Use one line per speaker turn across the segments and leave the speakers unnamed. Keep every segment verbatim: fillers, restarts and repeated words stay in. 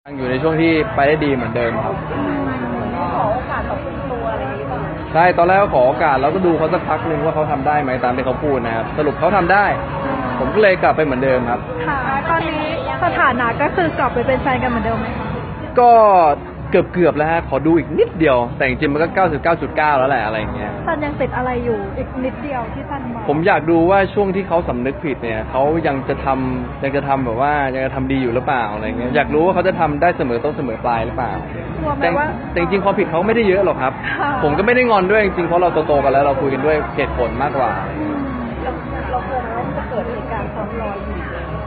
ยังอยู่ในช่วงที่ไปได้ดีเหมือนเดิมครับ
ขอโอกาสต่อคุณตัวอะไรอย่างนี้ป่ะ
ใช่ตอนแรกก็ขอโอกาสแล้วก็ดูเขาสักพักนึงว่าเขาทำได้ไหมตามที่เขาพูดนะครับสรุปเขาทำได้ ผมก็เลยกลับไปเหมือนเดิมครับ
ค่ะตอนนี้สถานะก็คือกลับไปเป็นแฟนกันเหมือนเดิมไหมคะ
ก็เกือบเกือบแล้วฮะขอดูอีกนิดเดียวแต่จริงๆมันก็ เก้าสิบเก้าจุดเก้า แล้วแหละอะไรอย่างเงี้ย
ซันยังติดอะไรอยู่อีกนิดเดียวที่ซันมอง
ผมอยากดูว่าช่วงที่เขาสำนึกผิดเนี่ยเขายังจะทำยังจะทำแบบว่ายังจะทำดีอยู่หรือเปล่าอะไรเงี้ยอยากรู้ว่าเขาจะทำได้เสมอต้นเสมอปลายหรือเปล่าแต่แต่จริงๆความผิดเขาไม่ได้เยอะหรอกครับผมก็ไม่ได้งอนด้วยจริงๆเพราะเราโตๆกันแล้วเราคุยกันด้วยเหตุผลมากกว่า
เรากลัวว่าจะเกิดเหตุการณ์ซ้ำรอยอีก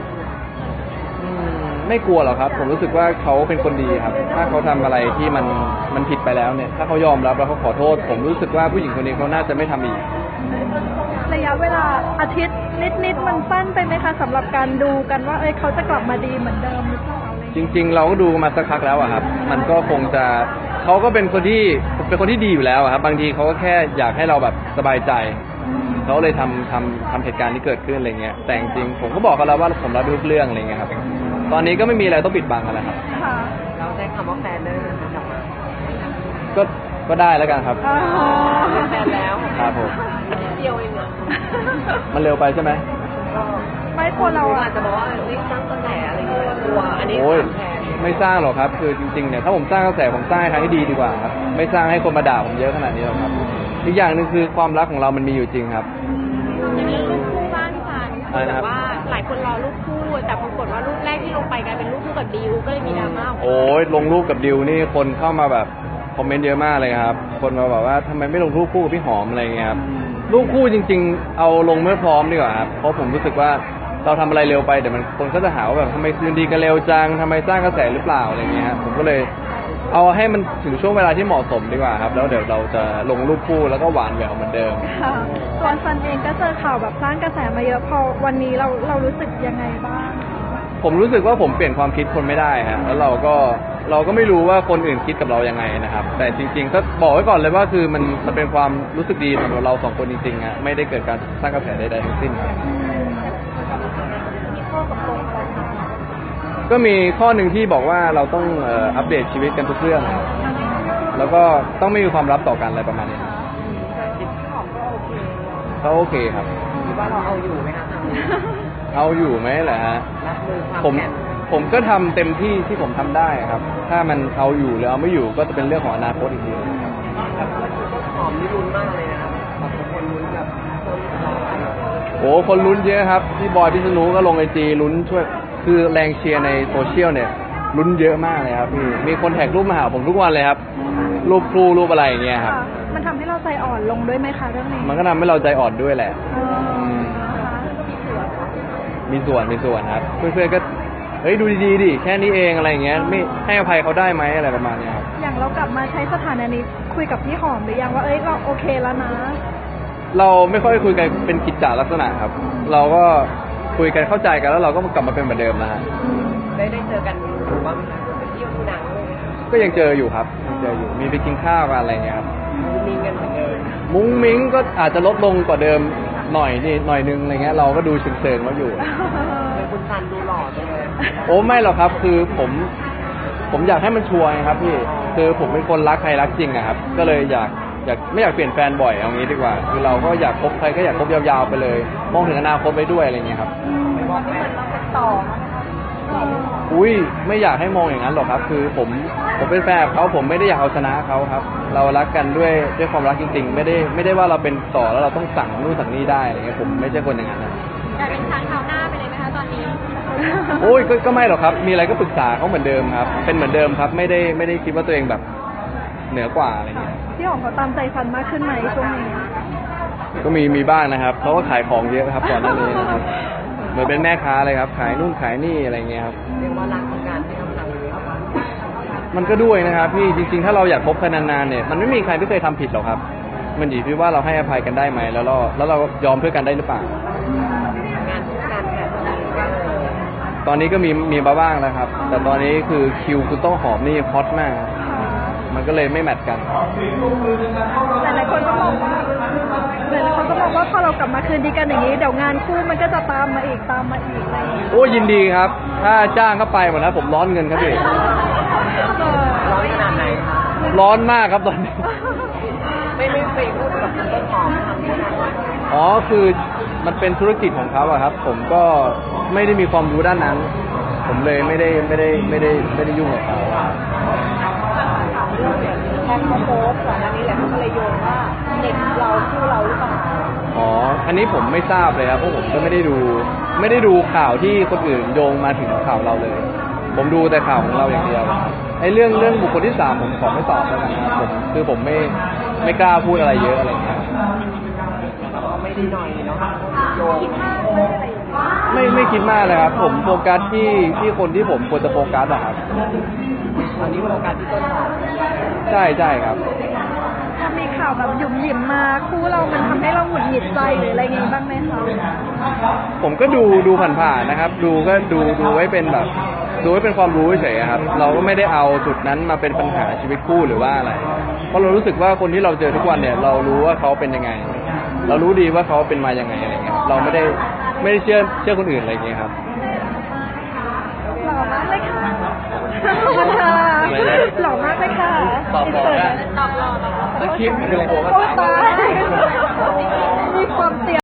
ไม่กลัวหรอกครับผมรู้สึกว่าเขาเป็นคนดีครับถ้าเขาทำอะไรที่มันมันผิดไปแล้วเนี่ยถ้าเขายอมรับแล้วเขาขอโทษผมรู้สึกว่าผู้หญิงคนนี้เขาน่าจะไม่ทำอีก
ระยะเวลาอาทิตย์นิดๆมันสั้นไปไหมคะสำหรับการดูกันว่าเอ้ยเขาจะกลับมาดีเหมือนเดิมหรือเปล่า
จริงๆเราก็ดูมาสักพักแล้วอะครับมันก็คงจะเขาก็เป็นคนที่เป็นคนที่ดีอยู่แล้วครับบางทีเขาก็แค่อยากให้เราแบบสบายใจเขาเลยทำทำทำเหตุการณ์ที่เกิดขึ้นอะไรเงี้ยแต่จริงๆผมก็บอกเขาแล้วว่าผมรับทุกเรื่องอะไรเงี้ยครับตอนนี้ก็ไม่มีอะไรต้องปิดบังกันแล้วครับ
เราใช้คำว่าแฟนได้เลยกลับมา
ก็ก็ได้แล้วกันครับ
เป็นแฟนแล้ว
ครับผม
เดียวเองอะ
มันเร็วไปใช่ไหม
ไม่ควรเราอาจจะบอกว่ารีบสร้างกระแสอะไรอย่างเงี้ยกลัวอันนี้
ไม่สร้างหรอกครับคือจริงๆเนี่ยถ้าผมสร้างกระแสผมสร้างให้ทางที่ดีดีกว่าครับไม่สร้างให้คนมาด่าผมเยอะขนาดนี้หรอกครับอีกอย่างหนึ่งคือความรักของเรามันมีอยู่จริงครับ
จะมีรูปคู่บ้างพี่ซันแต่ว่าหลายคนรอรูปคู่แต่ปรากฏว่ารูปแรกที่ลงไปกลายเป็นรูปคู่กับดิวก็เลยมีดราม่า
โอ้ยลงรูปกับดิวนี่คนเข้ามาแบบคอมเมนต์เยอะมากเลยครับคนมาบอกว่าทำไมไม่ลงรูปคู่กับพี่หอมอะไรเงี้ยครับรูปคู่จริงๆเอาลงเมื่อพร้อมดีกว่าครับเพราะผมรู้สึกว่าเราทำอะไรเร็วไปเดี๋ยวมันคนก็จะหาว่าแบบทำไมคืนดีกันเร็วจังทำไมสร้างกระแสหรือเปล่าอะไรเงี้ยครับผมก็เลยเอาให้มันถึงช่วงเวลาที่เหมาะสมดีกว่าครับแล้วเดี๋ยวเราจะลงรูปคู่แล้วก็หวานแหววเหมือนเดิม
ตัวซันเองก็เจอข่าวแบบสร้างกระแสมาเยอะพอวันนี้เราเรารู้สึกยังไงบ้าง
ผมรู้สึกว่าผมเปลี่ยนความคิดคนไม่ได้ฮะแล้วเราก็เราก็ไม่รู้ว่าคนอื่นคิดกับเรายังไงนะครับแต่จริงๆก็บอกไว้ก่อนเลยว่าคือมันมันเป็นความรู้สึกดีสำหรับเราสองคนจริงๆฮะไม่ได้เกิดการสร้างกระแสใดๆทั้งสิ้นครับก็มีข้อหนึ่งที่บอกว่าเราต้องอัปเดตชีวิตกันทุกเรื่องแล้วก็ต้องไม่มีความลับต่อกันอะไรประมาณนี้เขาโอเคครับ
คิดว่าเราเอาอยู่ไหมคะ
เอาอยู่ไหมแหละฮะผมผมก็ทำเต็มที่ที่ผมทำได้ครับถ้ามันเอาอยู่หรือเอาไม่อยู่ก็จะเป็นเรื่องของอนาคตอีกทีครับ
หอมนี่ลุ้นมากเลยนะครับคนลุ้นแบบ
โอ้คนลุ้นเยอะครับพี่บอยพี่สนุก็ลงไอจีลุ้นช่วยคือแรงเชียร์ในโซเชียลเนี่ยลุ้นเยอะมากเลยครับพี่มีคนแท็กรูปมาหาผมทุกวันเลยครับรูปครูรูปอะไรอย่างเงี้ยครับ
มันทำให้เราใจอ่อนลงด้วยไหมคะเรื่องนี้
มันก็ทำให้เราใจอ่อนด้วยแหละมีส่วนมีส่วนครับเพื่อนๆก็เฮ้ยดูดีๆดิแค่นี้เองอะไรอย่างเงี้ยไม่ให้อภัยเขาได้ไหมอะไรประมาณนี้ครับ
อย่างเรากลับมาใช้สถานะนี้คุยกับพี่หอมหรือยังว่าเอ้ยเราโอเคแล้วนะ
เราไม่ค่อยคุยกันเป็นกิจจาลักษณะครับเราก็คุยกันเข้าใจกันแล้วเราก็กลับมาเป็นเหมือนเดิมนะฮะ
ได้ได้เจอกันหรือว่าไปเที่ยวดูหนังเลย
ก็ยังเจออยู่ครับยังเจออยู่มีไปกินข้าวกันอะไรเงี้ยครับ
มีเงินเหมือนเดิม
มุ้งมิ้งก็อาจจะลดลงกว่าเดิมหน่อยนี่หน่อยนึงอะไรเงี้ยเราก็ดูเชิงๆมาอยู่
คุณซันดูหล่อจังเลย
โอ้ไม่หรอกครับคือผมผมอยากให้มันชัวร์ครับพี่คือผมเป็นคนรักใครรักจริงอะครับก็เลยอยากอยากไม่อยากเปลี่ยนแฟนบ่อยเอางี้ดีกว่าคือเราก็อยากคบใครก็อยากคบยาวๆไปเลยมองถึงอนาคตไปด้วยอะไรเงี้ยครับ
มองเหมือนเราเป็นต่อ
อุ้ยไม่อยากให้มองอย่างนั้นหรอกครับคือผมผมเป็นแฟนเขาผมไม่ได้อยากเอาชนะเขาครับเรารักกันด้วยด้วยความรักจริงๆไม่ได้ไม่ได้ว่าเราเป็นต่อแล้วเราต้องสั่งนู่นสั่งนี่ได้อะไรเงี้ยผมไม่ใช่คนอย่างนั้นนะ
แต่เป็นช้างเท้าหน้าไปเลยไหมคะตอนนี้
โอ้ยก็ไม่หรอกครับมีอะไรก็ปรึกษาเขาเหมือนเดิมครับเป็นเหมือนเดิมครับไม่ได้ไม่ได้คิดว่าตัวเองแบบเหนือกว่าอะไรเงี้ย
พี่หอมเขาตามใจซันมากขึ้นไหมช่วงนี้
ก็มีมีบ้างนะครับเขาก็ขายของเยอะครับก่อนหน้านี้นะครับเหมือนเป็นแม่ค้าเลยครับขายนู่นขายนี่อะไรเงี้ยครับ
เรียกว่ารักของการที่ทำงานเลยครับ
มันก็ด้วยนะครับพี่จริงๆถ้าเราอยากคบกันนานๆเนี่ยมันไม่มีใครที่เคยทำผิดหรอกครับมันอยู่ที่ว่าเราให้อภัยกันได้ไหมแล้วเราแล้วเรายอมเพื่อกันได้หรือเปล่างานการแบบตอนนี้ก็มีมีบ้างแล้วครับแต่ตอนนี้คือคิวคุณต้องหอมนี่ฮอตมากมันก็เลยไม่แมทกัน
หลายๆคนก็มองว่าหลายๆคนก็มองว่าพอเรากลับมาคืนดีกันอย่างนี้เดี๋ยวงานคู่มันก็จะตามมาอีกตามมาอีกอะไร
โอ้ยินดีครับถ้าจ้างเข้าไปหมดนะผมร้อนเงินครับพี่
ร้อนขนาดไหนคะ
ร้อนมากครับตอนนี้
ไม่ไม่ไปพูดกับคุณต้นหอมทำยังไง
อ๋อคือมันเป็นธุรกิจของเขาอะครับ ผมก็ไม่ได้มีความรู้ด้านนั้น ผมเลยไม่ได้ไม่ได้ไม่ได้ไม่ได้ยุ่งกับเขา
แทนเขาโพสต์ก่อนหน้านี้แหละเขาก็เลยโยงว่าเด็กเราคู่เราหรือเปล่า
อ๋ออันนี้ผมไม่ทราบเลยครับเพราะผมก็ไม่ได้ดูไม่ได้ดูข่าวที่คนอื่นโยงมาถึงข่าวเราเลย ผมดูแต่ข่าวของเราอย่างเดียวไอ้เรื่องเรื่องบุคคลที่สามผมขอไม่ตอบแล้วกันนะครับผมคือผมไม่ไม่กล้าพูดอะไรเยอะอะไรอย่างเงี้ย
ก็ไม่ได้หน่อยเนาะโยง
ไม่ไม่คิดมากเลยครับ ผมโฟกัสที่ที่คนที่ผมควรจะโฟกัสอะครับ
ตอนนี้โฟกัสที่ต้นหอม
ใช่ใช่ครับ
ถ้ามีข่าวแบบหยุ่มหยิมมาคู่เรามันทำให้เราหงุดหงิดใจหรืออะไรเงี้ยบ้างไหมคะ
ผมก็ดูดูผ่านๆนะครับ ดูก็ดูดูไว้เป็นแบบ ดูไว้เป็นความรู้เฉยๆครับ เราก็ไม่ได้เอาจุดนั้นมาเป็นปัญหาชีวิตคู่หรือว่าอะไร เพราะเรารู้สึกว่าคนที่เราเจอทุกวันเนี่ย เรารู้ว่าเขาเป็นยังไง เรารู้ดีว่าเขาเป็นมายังไงอะไรเงี้ย เราไม่ได้ไม่ได้เชื่อเชื่อคนอื่นอะไรเงี้ยครับ
หล่อมากเลยค่ะขอบคุณค่ะ
อะไรนะ
หล่อมากเลยค่ะ
ตอบบอกได้
ตอบรอตอบรอ
สคริปต์คืออะไร
โอ้ตายมีความเตรียม